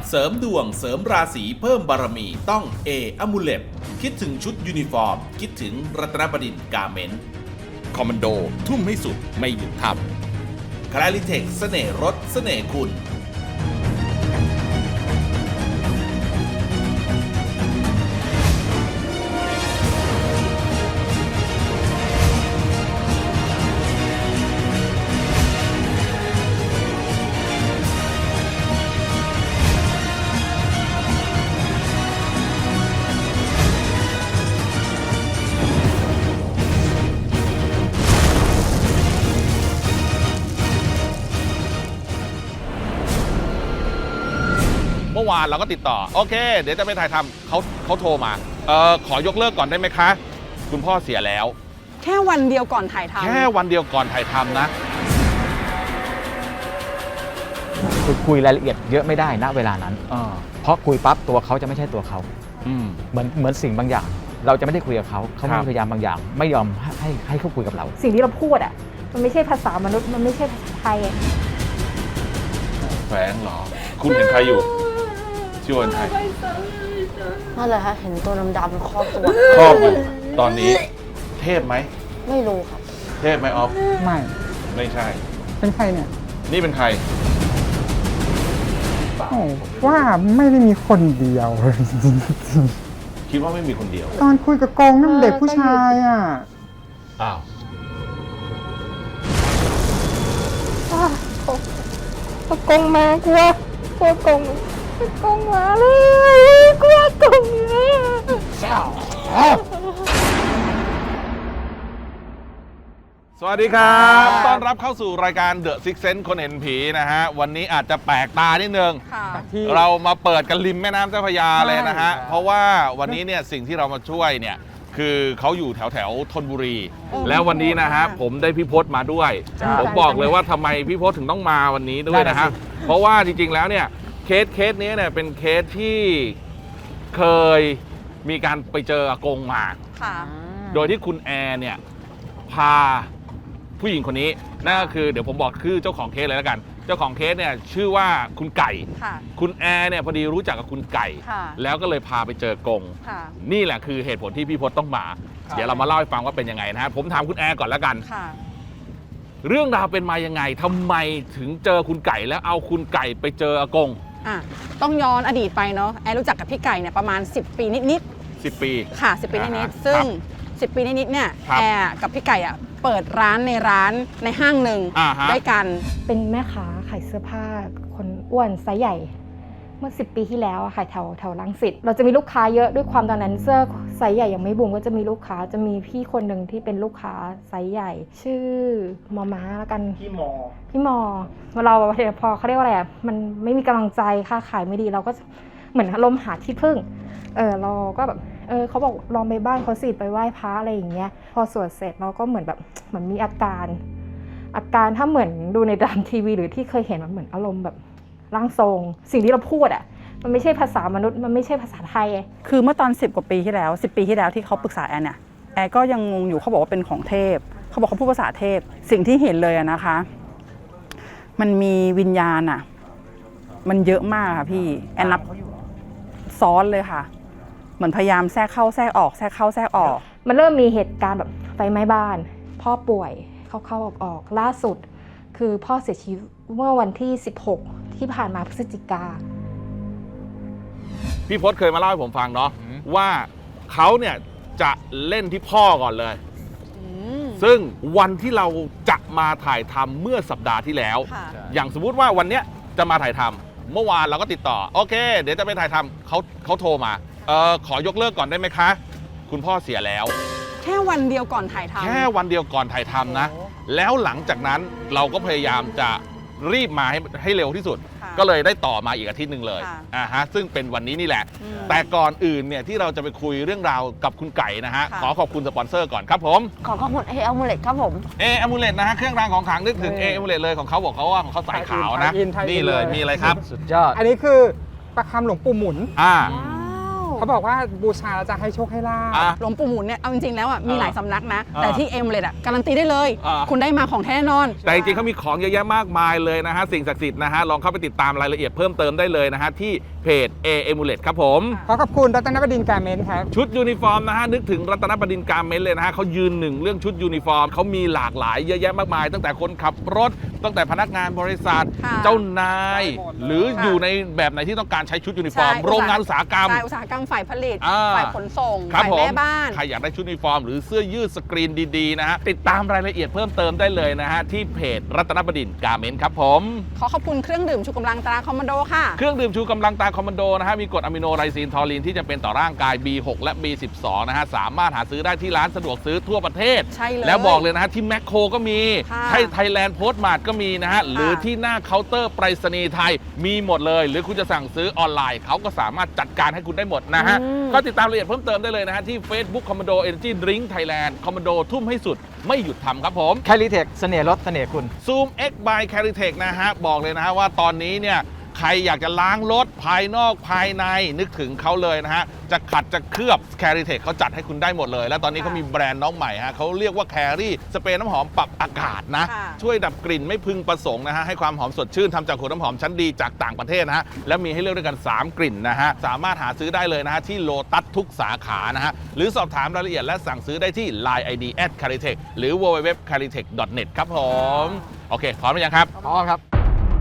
เสริมดวงเสริมราศีเพิ่มบารมีต้องเออมูเลตคิดถึงชุดยูนิฟอร์มคิดถึงรัตนบดินทร์กาเมนต์คอมมานโดทุ่มให้สุดไม่หยุดทำคลาริเทคเสน่ห์รถเสน่ห์คุณเมื่อวานเราก็ติดต่อโอเคเดี๋ยวจะไปถ่ายทำเขาโทรมาขอยกเลิกก่อนได้ไหมคะคุณพ่อเสียแล้วแค่วันเดียวก่อนถ่ายทำแค่วันเดียวก่อนถ่ายทำนะคุยรายละเอียดเยอะไม่ได้ณเวลานั้นเพราะคุยปั๊บตัวเขาจะไม่ใช่ตัวเขาเหมือนสิ่งบางอย่างเราจะไม่ได้คุยกับเขามีพยายามบางอย่างไม่ยอมให้เขาคุยกับเราสิ่งที่เราพูดอ่ะมันไม่ใช่ภาษามนุษย์มันไม่ใช่ภาษาไทยแฝงเหรอคุณเห็นใครอยู่ชื่อวันไทยนั่นแหละฮะเห็นตัวดำๆครอบตัวครอบอยู่ตอนนี้เทพไหมไม่รู้ครับเทพไหมออฟไม่ใช่เป็นใครเนี่ยนี่เป็นใครว่าไม่ได้มีคนเดียวคิดว่าไม่มีคนเดียวตอนคุยกับกงนั่นเด็กผู้ชายอ่ะอ้าวกงมากลัวกงมาเลยกลัวกงเลยสวัสดีครับต้อนรับเข้าสู่รายการ The Six Sense คนเห็นผีนะฮะวันนี้อาจจะแปลกตานิดนึงเรามาเปิดกันริมแม่น้ำเจ้าพระยาเลยนะฮะเพราะว่าวันนี้เนี่ยสิ่งที่เรามาช่วยเนี่ยคือเขาอยู่แถวธนบุรีแล้ววันนี้นะฮะผมได้พี่พศมาด้วยผมบอกเลยว่าทำไมพี่พศถึงต้องมาวันนี้ด้วยนะฮะเพราะว่าจริงๆแล้วเนี่ยเคสนี้เนี่ยเป็นเคสที่เคยมีการไปเจออากงมาโดยที่คุณแอร์เนี่ยพาผู้หญิงคนนี้นั่นก็คือเดี๋ยวผมบอกคือเจ้าของเคสเลยแล้วกันเจ้าของเคสเนี่ยชื่อว่าคุณไก่คุณแอร์เนี่ยพอดีรู้จักกับคุณไก่แล้วก็เลยพาไปเจอกงนี่แหละคือเหตุผลที่พี่พศต้องมาเดี๋ยวเรามาเล่าให้ฟังว่าเป็นยังไงนะฮะผมถามคุณแอร์ก่อนแล้วกันเรื่องราวเป็นมายังไงทำไมถึงเจอคุณไก่แล้วเอาคุณไก่ไปเจออากงต้องย้อนอดีตไปเนาะแอร์รู้จักกับพี่ไก่เนี่ยประมาณ10 ปีนิดๆ10 ปีค่ะ10 ปีนิดๆซึ่ง10 ปีนิดๆเนี่ยแอร์กับพี่ไก่เปิดร้านในห้างหนึ่งด้วยกันเป็นแม่ค้าขายเสื้อผ้าคนอ้วนไซส์ใหญ่เมื่อ10 ปีที่แล้วขายแถวรังสิตเราจะมีลูกค้าเยอะด้วยความตอนนั้นเสื้อไซส์ใหญ่ยังไม่บูมก็จะมีลูกค้าจะมีพี่คนหนึ่งที่เป็นลูกค้าไซส์ใหญ่ชื่อมอม้าแล้วกันพี่มอเราพอเขาเรียกว่าอะไรมันไม่มีกำลังใจค่าขายไม่ดีเราก็เหมือนอารมณ์หาที่พึ่งเราก็แบบเขาบอกลองไปบ้านเขาสิไปไหว้พระอะไรอย่างเงี้ยพอสวดเสร็จเราก็เหมือนมีอาการถ้าเหมือนดูในตามทีวีหรือที่เคยเห็นมันเหมือนอารมณ์แบบร่างทรงสิ่งที่เราพูดมันไม่ใช่ภาษามนุษย์มันไม่ใช่ภาษาไทยคือเมื่อตอน10 กว่าปีที่แล้ว10 ปีที่แล้วที่เขาปรึกษาแอนเนี่ยแอนก็ยังงงอยู่เขาบอกว่าเป็นของเทพเขาบอกเขาพูดภาษาเทพสิ่งที่เห็นเลยนะคะมันมีวิญญาณมันเยอะมากค่ะพี่แอนนับซ้อนเลยค่ะเหมือนพยายามแทรกเข้าแทรกออกแทรกเข้าแทรกออกมันเริ่มมีเหตุการณ์แบบไฟไหม้บ้านพ่อป่วยเข้าออกล่าสุดคือพ่อเสียชีวิตเมื่อวันที่16ที่ผ่านมาพฤศจิกาพี่พศเคยมาเล่าให้ผมฟังเนาะว่าเขาเนี่ยจะเล่นที่พ่อก่อนเลยซึ่งวันที่เราจะมาถ่ายทำเมื่อสัปดาห์ที่แล้วอย่างสมมุติว่าวันเนี้ยจะมาถ่ายทำเมื่อวานเราก็ติดต่อโอเคเดี๋ยวจะไปถ่ายทำเขาโทรมาขอยกเลิกก่อนได้ไหมคะคุณพ่อเสียแล้วแค่วันเดียวก่อนถ่ายทำแค่วันเดียวก่อนถ่ายทำนะแล้วหลังจากนั้นเราก็พยายามจะรีบมาให้เร็วที่สุดก็เลยได้ต่อมาอีกอาทิตย์หนึ่งเลยซึ่งเป็นวันนี้นี่แหละแต่ก่อนอื่นเนี่ยที่เราจะไปคุยเรื่องราวกับคุณไก่นะฮะขอขอบคุณสปอนเซอร์ก่อนครับผมขอขอบคุณอมูเลตครับผมอมูเลตนะฮะเครื่องรางของขลังนึกถึงอมูเลตเลยของเขาบอกเขาว่าของเขาสายขาวนะนี่เลยมีอะไรครับสุดยอดอันนี้คือประคำหลวงปู่หมุนเขาบอกว่าบูชาแล้วจะให้โชคให้ลาภอ่ะหลวงปู่หมุนเนี่ยเอาจริงๆแล้วอ่ะมีหลายสำนักนะอ่าแต่ที่เอ็มเลยอ่ะการันตีได้เลยอ่าคุณได้มาของแท้แน่นอนแต่จริงๆเขามีของเยอะแยะมากมายเลยนะฮะสิ่งศักดิ์สิทธิ์นะฮะลองเข้าไปติดตามรายละเอียดเพิ่มเติมได้เลยนะฮะที่เพจ A Amulet ครับผมขอขอบคุณรัตนบดินทร์การเมนต์ครับชุดยูนิฟอร์มนะฮะนึกถึงรัตนบดินทร์การเมนต์เลยนะฮะเขายืนหนึ่งเรื่องชุดยูนิฟอร์มเขามีหลากหลายเยอะแยะมากมาย ตั้งแต่คนขับรถตั้งแต่พนักงานบริษัทค่ะเจ้านายได้หมดเลยหรือค่ะอยู่ในแบบไหนที่ต้องการใช้ชุดยูนิฟอร์มใช่โรงงานอุตสาหกรรมใช่อุตสาหกรรมฝ่ายผลิตอ่าฝ่ายขนส่งครับฝ่ายผมแม่บ้านใครอยากได้ชุดยูนิฟอร์มหรือเสื้อยืดสกรีนดีๆนะฮะติดตามรายละเอียดเพิ่มเติมได้เลยนะฮะที่เพจรัตนบดินทร์การเมนต์ครับผมขอขอบคุณเครื่องดื่มชูกำลังตราคอมมานโดค่ะเครื่องดื่มชูกำลังตาคอมมานโดนะฮะมีกรดอะมิโนไรซีนทอลีนที่จะเป็นต่อร่างกาย B6 และ B12 นะฮะสามารถหาซื้อได้ที่ร้านสะดวกซื้อทั่วประเทศใช่เลยแล้วบอกเลยนะฮะที่แมคโครก็มีค่ะที่ไทยแลนด์โพสต์มาร์ทก็มีนะฮะหรือที่หน้าเคาน์เตอร์ไปรษณีย์ไทยมีหมดเลย หรือคุณจะสั่งซื้อออนไลน์เขาก็สามารถจัดการให้คุณได้หมดนะฮะก็ติดตามรายละเอียดเพิ่มเติมได้เลยนะฮะที่ Facebook Commando Energy Drink Thailand Commando ทุ่มให้สุดไม่หยุดทำครับผมแคลิเทคเสน่ห์รถเสน่ห์คุณ Zoom X by Caritech นะฮะบอกเลยนะฮะว่าตอนนี้เนี่ยใครอยากจะล้างรถภายนอกภายในนึกถึงเขาเลยนะฮะจะขัดจะเคลือบ Caritech เขาจัดให้คุณได้หมดเลย และตอนนี้เขามีแบรนด์น้องใหม่ฮะเขาเรียกว่า Carry สเปรย์น้ำหอมปรับอากาศนะค่ะช่วยดับกลิ่นไม่พึงประสงค์นะฮะให้ความหอมสดชื่นทำจากขวดน้ำหอมชั้นดีจากต่างประเทศนะฮะและมีให้เลือกด้วยกัน 3 กลิ่นนะฮะสามารถหาซื้อได้เลยนะฮะที่โลตัสทุกสาขานะฮะหรือสอบถามรายละเอียดและสั่งซื้อได้ที่ Line ID @caritech หรือ www.caritech.net ครับผมโอเคพร้อมหรือยังครับพร้อมครับ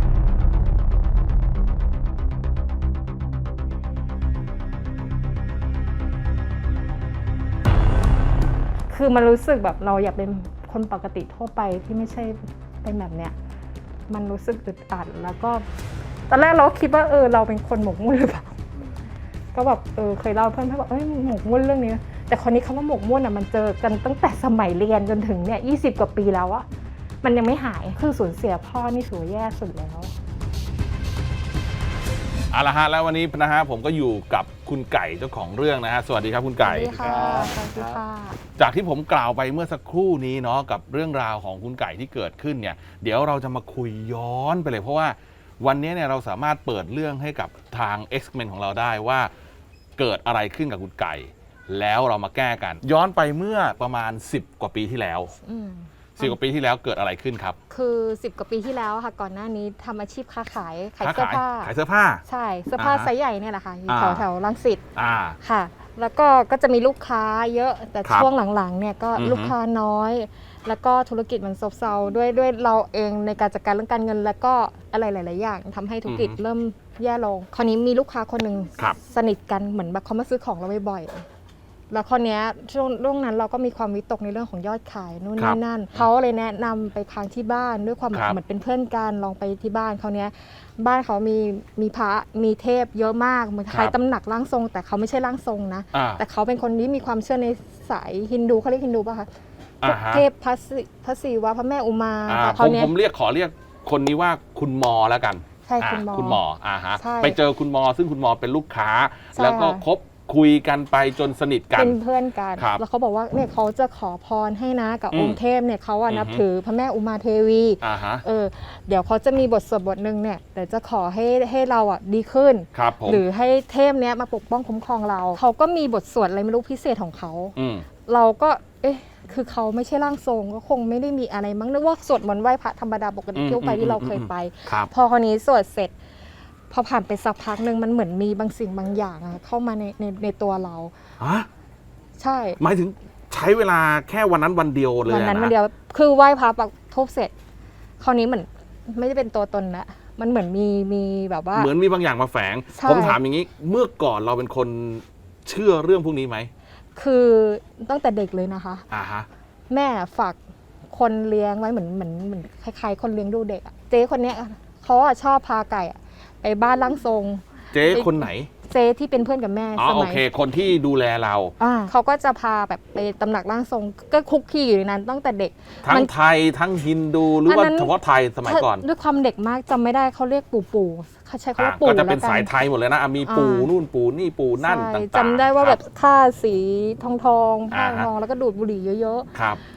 คือมันรู้สึกแบบเราอยากเป็นคนปกติทั่วไปที่ไม่ใช่เป็นแบบเนี้ยมันรู้สึกอึดอัดแล้วก็ตอนแรกเราก็คิดว่าเราเป็นคนหมกมุ่นหรือเปล่าก็แบบเคยเล่าเพื่อนบอกหมกมุ่นเรื่องนี้แต่คนนี้คำว่าหมกมุ่นอ่ะมันเจอกันตั้งแต่สมัยเรียนจนถึงเนี่ย20 กว่าปีแล้วอะมันยังไม่หายคือสูญเสียพ่อนี่ถือว่าแย่สุดแล้วเอาละฮะแล้ววันนี้นะฮะผมก็อยู่กับคุณไก่เจ้าของเรื่องนะฮะสวัสดีครับคุณไก่สวัสดีค่ะสวัสดีค่ะจากที่ผมกล่าวไปเมื่อสักครู่นี้เนาะกับเรื่องราวของคุณไก่ที่เกิดขึ้นเนี่ยเดี๋ยวเราจะมาคุยย้อนไปเลยเพราะว่าวันนี้เนี่ยเราสามารถเปิดเรื่องให้กับทาง X-Men ของเราได้ว่าเกิดอะไรขึ้นกับคุณไก่ แล้วเรามาแก้กัน ย้อนไปเมื่อประมาณ10 กว่าปีที่แล้ว10 กว่าปีที่แล้วเกิดอะไรขึ้นครับคือ10 กว่าปีที่แล้วค่ะก่อนหน้านี้ทำอาชีพค้าขายเสื้อผ้าขายเสื้อผ้าใช่เสื้อผ้าอ่าฮะไซส์ใหญ่เนี่ยแหละค่ะอยู่อ่าแถวรังสิตอ่าค่ะ แล้วก็จะมีลูกค้าเยอะแต่ครับช่วงหลังๆเนี่ยก็อือฮึลูกค้าน้อย แล้วก็ธุรกิจมันซบเซาด้วยเราเองในการจัดการเรื่องการเงิน แล้วก็อะไรหลายๆอย่างทำให้ธุรกิจเริ่มแย่ลงคราวนี้มีลูกค้าคนหนึ่งครับสนิทกันเหมือนแบบเขามาซื้อของเราบ่อยๆแล้วคราวเนี้ยช่วงนั้นเราก็มีความวิตกในเรื่องของยอดขายนู่นครันี่บนั่นเขาเลยแนะนำไปค้างที่บ้านด้วยความครับเหมือนเป็นเพื่อนกันลองไปที่บ้านเขาเนี้ยบ้านเขามีพระมีเทพเยอะมากเหมือนคล้ายตำหนักร่างทรง แต่เขาไม่ใช่ร่างทรงนะอ่าแต่เขาเป็นคนที่มีความเชื่อในสายฮินดูเขาเรียกฮินดูป่ะคะอ่าฮะเทพพระศิวะพระแม่อุมาอ่าเขาเนี้ยผมขอเรียกคนนี้ว่าคุณมอแล้วกันใช่คุณหมอคุณหมอฮะใช่ไปเจอคุณมอซึ่งคุณมอเป็นลูกค้าใช่แล้วก็คบคุยกันไปจนสนิทกันเป็นเพื่อนกันครับแล้วเขาบอกว่าเนี่ยเขาจะขอพรให้นะกับอืมองค์เทพเนี่ยเขาอะอือฮึนับถือพระแม่อุมาเทวีฮะเดี๋ยวเขาจะมีบทสวดบทหนึ่งเนี่ยเดี๋ยวจะขอให้เราอ่ะดีขึ้นครับผมหรือให้เทพเนี้ยมาปกป้องคุ้มครองเราเขาก็มีบทสวดอะไรไม่รู้พิเศษของเขาอืมเราก็คือเขาไม่ใช่ร่างทรงก็คงไม่ได้มีอะไรมั้งนึกว่าสวดมนต์ไหว้พระธรรมดาปกติทั่วไปที่เราเคยไปครับพอคนนี้สวดเสร็จ พอผ่านไปสักพักหนึ่งมันเหมือนมีบางสิ่งบางอย่างอะเข้ามาในตัวเราฮะใช่หมายถึงใช้เวลาแค่วันนั้นวันเดียวเลยวันนั้นอะะวันเดียวคือไหว้พระปักทูบเสร็จ คราวนี้เหมือนไม่ได้เป็นตัวตนละมันเหมือนมีแบบว่าเหมือนมีบางอย่างมาแฝงใช่ผมถามอย่างนี้ เมื่อก่อนเราเป็นคนเชื่อเรื่องพวกนี้ไหมคือตั้งแต่เด็กเลยนะคะฮะแม่ฝากคนเลี้ยงไว้เหมือนคล้ายๆคนเลี้ยงดูเด็กอะเจ๊คนเนี้ยเขาอะชอบพาไก่อะไปบ้านร่างทรงเจ๊คนไหนเจ๊ที่เป็นเพื่อนกับแม่อ๋อสโอมัยเค คนที่ดูแลเราเขาก็จะพาแบบไปตำหนักร่างทรง ก็คุกคีอยู่ในนั้นตั้งแต่เด็กทั้มังนไทยทั้งฮินดูหรือว่าเฉพาะไทยสมัยก่อนด้วยความเด็กมากจำไม่ได้เขาเรียกปู่เขาใช้คำว่าปู่ก็จะเป็นแล้วกัสายไทยหมดเลยนะมีปู่นู่นปู่นี่ปู่นั่นใช่ต่างๆจำได้ว่าแบบครับค่าสีทองผ้าอ่าฮะทองแล้วก็ดูดบุหรี่เยอะครับๆ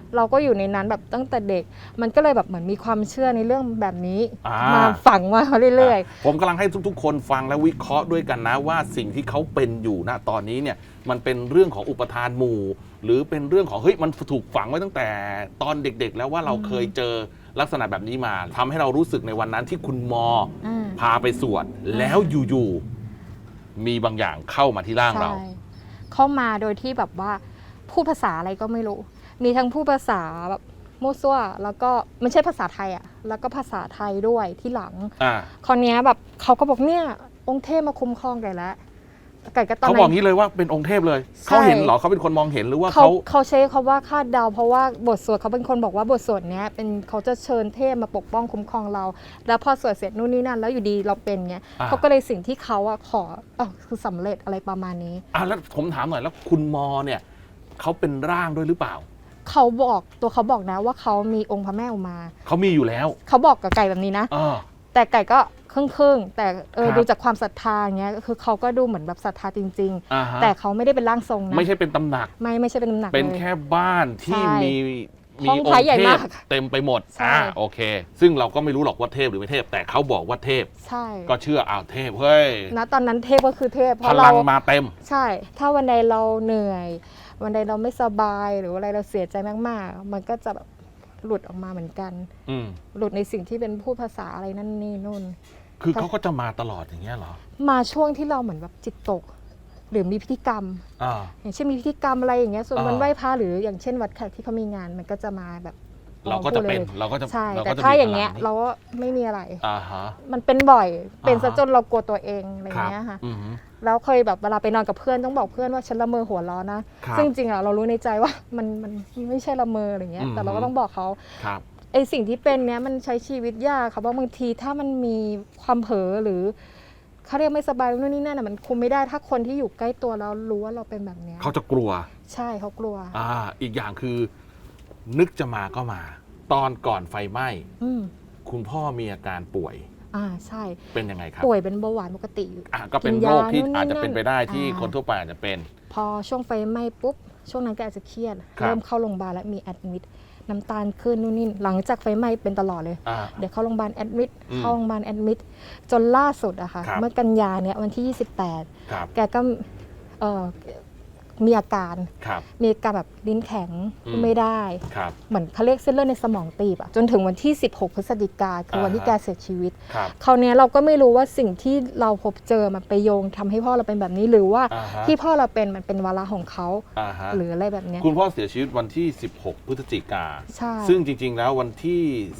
เราก็อยู่ในนั้นแบบตั้งแต่เด็ก มันก็เลยแบบเหมือนมีความเชื่อในเรื่องแบบนี้อ่ามมาฝังมาเรื่อยผมกำลังให้ทุกๆ คนฟังและวิเคราะห์ด้วยกันนะว่าสิ่งที่เขาเป็นอยู่ณตอนนี้เนี่ยมันเป็นเรื่องของอุปทานหมู่ หรือเป็นเรื่องของเฮ้ยมันถูกฝังไว้ตั้งแต่ตอนเด็กๆ แล้วว่าเราเคยเจอลักษณะแบบนี้มาทำให้เรารู้สึกในวันนั้นที่คุณมอๆอืมพาไปสวดแล้วอยู่ๆมีบางอย่างเข้ามาที่ร่างเราใช่เข้ามาโดยที่แบบว่าพูดภาษาอะไรก็ไม่รู้ มีทั้งพูดภาษาแบบมั่วซั่วแล้วก็ไม่ใช่ภาษาไทยอ่ะแล้วก็ภาษาไทยด้วยที่หลังอ่าคราวเนี้ยแบบเขาก็บอกเนี่ยองค์เทพมาคุ้มครองไก่แล้วไก่ก็ตอนเขานั้บอกนงี้เลยว่าเป็นองค์เทพเลยใช่เขาเห็นเหรอเขาเป็นคนมองเห็นหรือว่าเขาเขาเขาใช้คำว่าคาดเดาเพราะว่าบทสวดเขาเป็นคนบอกว่าบทสวดเนี้ยเป็นเขาจะเชิญเทพมาปกป้องคุ้มครองเรา แล้วพอสวดเสร็จนู่นนี่นั่นแล้วอยู่ดีเราเป็นเงี้ยอ่าเขาก็เลยสิ่งที่เขาอะขอคือสำเร็จอะไรประมาณนี้แล้วผมถามหน่อยแล้วคุณมอเนี่ยเขาเป็นร่างด้วยหรือเปล่าเขาบอกตัวเขาบอกนะว่าเขามีองค์พระแม่อุมาเขามีอยู่แล้วเขาบอกกับไก่แบบนี้นะเออแต่ไก่ก็ครึ่งๆแต่ครับดูจากความศรัทธาอย่างเงี้ยคือเขาก็ดูเหมือนแบบศรัทธาจริงอ่าฮะๆ แต่เขาไม่ได้เป็นร่างทรงนะไม่ใช่เป็นตำหนักไม่ใช่เป็นน้ำหนักเป็นเลยแค่บ้านที่ใช่มีห้ององพระค์ใหญ่เทมาพกเต็มไปหมดใช่โอเค ซึ่งเราก็ไม่รู้หรอกว่าเทพหรือไม่เทพ แต่เขาบอกว่าเทพใช่ก็เชื่อเทพเฮ้ยณตอนนั้นเทพก็คือเทพเพพราะลัเรางมาเต็มใช่ ถ้าวันใดเราเหนื่อย วันใดเราไม่สบายหรืออะไรเราเสียใจมากๆ มันก็จะแบบหลุดออกมาเหมือนกันอืมหลุดในสิ่งที่เป็นพูดภาษาอะไรนั่นนี่นู่นคือเขาก็จะมาตลอดอย่างเงี้ยเหรอมาช่วงที่เราเหมือนแบบจิตตก หรือมีพิธีกรรมอ่าอย่างเช่นมีพิธีกรรมอะไรอย่างเงี้ยส่วนอ่าวันไหว้พระหรืออย่างเช่นวัดแขกที่เขามีงานมันก็จะมาแบบเราก็จะเป็นพูดลยเราก็จะใช่เราแต่ก็จะถ้ามีอย่างเงี้ยพลัเราก็ไม่มีอะไรอ่าฮะมันเป็นบ่อยเป็นซะอ่าฮะจนเรากลัวตัวเองอะไรครับเงี้ยค่ะอือฮึแล้วเคยแบบเวลาไปนอนกับเพื่อนต้องบอกเพื่อนว่าฉันละเมอหัวร้อนนะครับ ซึ่งจริงๆอ่ะเรารู้ในใจว่ามันไม่ใช่ละเมออะไรเงี้ยอืมแต่เราก็ต้องบอกเขาครับไอสิ่งที่เป็นเนี้ยมันใช้ชีวิตยากค่ะเพราะบางทีถ้ามันมีความเผลอหรือเขาเรียกไม่สบายนู่นนี่นั่นมันคุมไม่ได้ถ้าคนที่อยู่ใกล้ตัวเรารู้ว่าเราเป็นแบบเนี้ยเขาจะกลัวใช่เขากลัวอีกอย่างคือนึกจะมาก็มา ตอนก่อนไฟไหม้อืมคุณพ่อมีอาการป่วยใช่เป็นยังไงครับป่วยเป็นเบาหวานปกติอยู่ก็เป็นกินโรยาคที่นู่นนี่อาจจะเป็นไปได้ที่นั่นคนทั่วไปอาจจะเป็นพอช่วงไฟไหม้ปุ๊บช่วงนั้นก็อาจจะเครียดครับเริ่มเข้าโรงพยาบาลแล้วมีแอดมิดน้ำตาลขึ้นนู่นนี่หลังจากไฟไหม้เป็นตลอดเลยอ่าเดี๋ยวเข้าโรงพยาบาลแอดมิดอืมเข้าโรงพยาบาลแอดมิดจนล่าสุดอะค่ะครับเมื่อกันยาเนี่ยวันที่ครับ 28 แกก็เอ่อมีอาการครับมีอาการแบบลิ้นแข็งอืมพูดไม่ได้ครับเหมือนเขาเรียกเส้นเลือดในสมองตีบอะจนถึงวันที่ 16 พฤศจิกาคือวันที่อ่าแกฮะเสียชีวิตครับคราวเนี้ยเราก็ไม่รู้ว่าสิ่งที่เราพบเจอมันไปโยงทำให้พ่อเราเป็นแบบนี้หรือว่าอ่าฮะที่พ่อเราเป็นมันเป็นวาระของเขาอ่าฮะหรืออะไรแบบเนี้ยคุณพ่อเสียชีวิตวันที่ 16 พฤศจิกาใช่ซึ่งจริง ๆ แล้ววันที่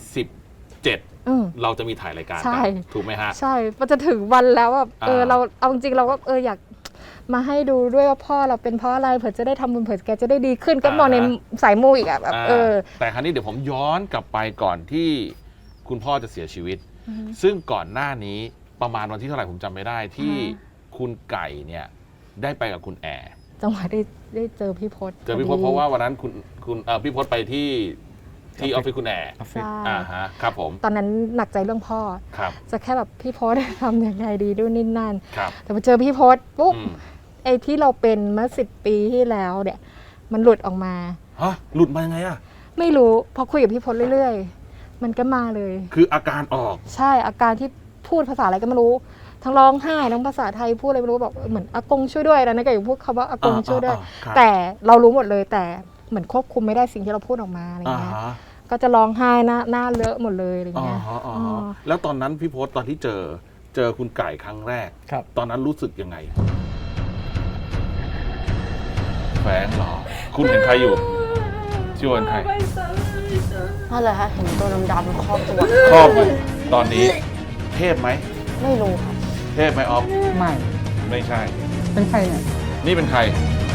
17 อืมเราจะมีถ่ายรายการใช่กันถูกไหมฮะใช่มันจะถึงวันแล้วแบบอ่าเราเอาจริงๆเราก็อยากมาให้ดูด้วยว่าพ่อเราเป็นเพราะอะไรเผื่อจะได้ทำบุญเผื่อแกจะได้ดีขึ้นก็มองในสายมูอีกอะแบบแต่ครั้นี้เดี๋ยวผมย้อนกลับไปก่อนที่คุณพ่อจะเสียชีวิต ซึ่งก่อนหน้านี้ประมาณวันที่เท่าไหร่ผมจำไม่ได้ที่คุณไก่เนี่ยได้ไปกับคุณแอร์จังหวะได้เจอพี่พศเจอพี่พศเพราะว่าวันนั้นคุณพี่พศไปที่ออฟฟิศคุณแอร์ใช่ครับผมตอนนั้นหนักใจเรื่องพ่อครับจะแค่แบบพี่พศทำยังไงดีดูนี่นั่นครับแต่พอเจอพี่พศปุ๊บอืมไอ้ที่เราเป็นเมื่อ10 ปีที่แล้วเนี่ยมันหลุดออกมาฮะหลุดมายังไงอะไม่รู้พอคุยกับพี่พศเรื่อยๆ มันก็มาเลยคืออาการออกใช่อาการที่พูดภาษาอะไรก็ไม่รู้ ทั้งร้องไห้ทั้งภาษาไทยพูดอะไรไม่รู้แบบเหมือนอากงช่วยด้วยนะก็อย่างพูดคำว่าอากงช่วยด้วยครับแต่เรารู้หมดเลยแต่เหมือนควบคุมไม่ได้สิ่งที่เราพูดออกมาอะไรอ่าเงี้ยฮะก็จะร้องไห้หน้าเลอะหมดเลยอะไรอ่าเงี้ยฮะอ่าอ๋ฮะอแล้วตอนนั้นพี่พศตอนที่เจอคุณไก่ครั้งแรกครับตอนนั้นรู้สึกยังไงแฝงเหรอ คุณเห็นใครอยู่ชื่อว่าเป็นใครนั่นแหละฮะเห็นตัวดำๆครอบตัวครอบอยู่ตอนนี้เทพไหมไม่รู้ครับเทพไหมออฟไม่ไม่ใช่เป็นใครเนี่ยนี่เป็นใคร